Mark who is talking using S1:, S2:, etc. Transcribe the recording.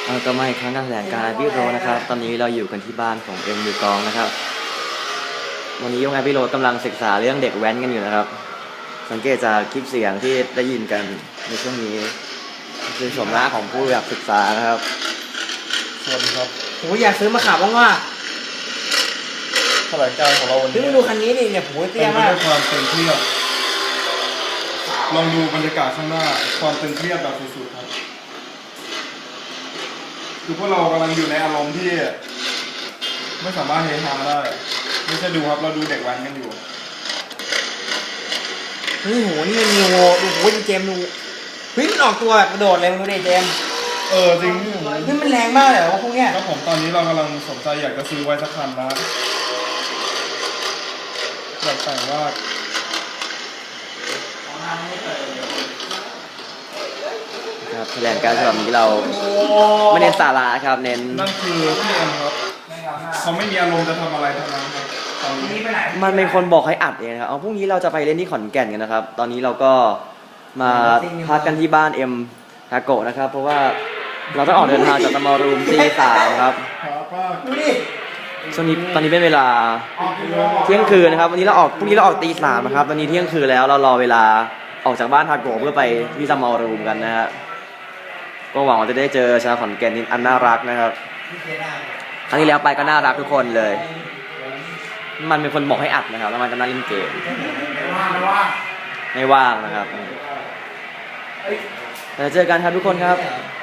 S1: ก็มาอีกครั้งการแถลงการณ์พี่โรนะครับตอนนี้เราอยู่กันที่บ้านของเอ็มมือกลองนะครับวันนี้ยงไงพี่โรกำลังศึกษาเรื่องเด็กแว้นกันอยู่นะครับสังเกตจากคลิปเสียงที่ได้ยินกันในช่วงนี้คือชมหน้าของผู้อยากศึกษานะครับ
S2: สวัสดีครับ
S3: โอ้ยอยากซื้อมาขับบ้างว่า
S2: แถลงการของเราวันนี้
S3: มาดูคันนี้ดิเนี่ยโหเตี้ยมาก
S2: เป็นความตึงเครียดลองดูบรรยากาศข้างหน้าความตึงเครียดแบบสุดๆครับคือพวกเรากำลังอยู่ในอารมณ์ที่ไม่สามารถเฮฮาได้ไม่ใช่ดูครับเราดูเด็กแว้นกันอยู่
S3: เฮ้ยโหนี่มันมีโหดูโหเจมดูเฮ้ยมันออกตัวแบบกระโดดเลยมึงดูดิเจม
S2: จริง
S3: นี่มันแรงมากเลยว่าพวกเนี้ย
S2: แล้วผมตอนนี้เรากำลังสนใจอยากจะซื้อไว้สักคันนะอยากแต่งว่า
S1: ครับแถลงการณ์ฉบับนี้เราไม่เน้นสาระครับเน้น
S2: นั่นคือพี่เอ็มครับเขาไม่มีอารมณ์จะทำอะไรทั้งนั้นครับตอนนี้
S1: มันเป็นคนบอกให้อัดเองครับพรุ่งนี้เราจะไปเล่นที่ขอนแก่นกันนะครับตอนนี้เราก็มาพักกันที่บ้านเอ็มทาโกะนะครับเพราะว่าเราต้องออกเดินทางจากตมรูมตี3ครับ
S3: ดูดิ
S1: ช่วงนี้ตอนนี้เป็นเวลาเที่ยงคืนนะครับวันนี้เราออกพรุ่งนี้เราออกตี 3นะครับตอนนี้เที่ยงคืนแล้วเรารอเวลาออกจากบ้านทาโกะเพื่อไปที่ตมรูมกันนะฮะก็หวังว่าจะได้เจอชาวขอนแก่นอันน่ารักนะครับครั้งที่แล้วไปก็น่ารักทุกคนเลยมันเป็นคนบอกให้อัดนะครับแล้วมันก็น่าเล่นเกมไม่ว่างนะครับเจอกันครับทุกคนครับ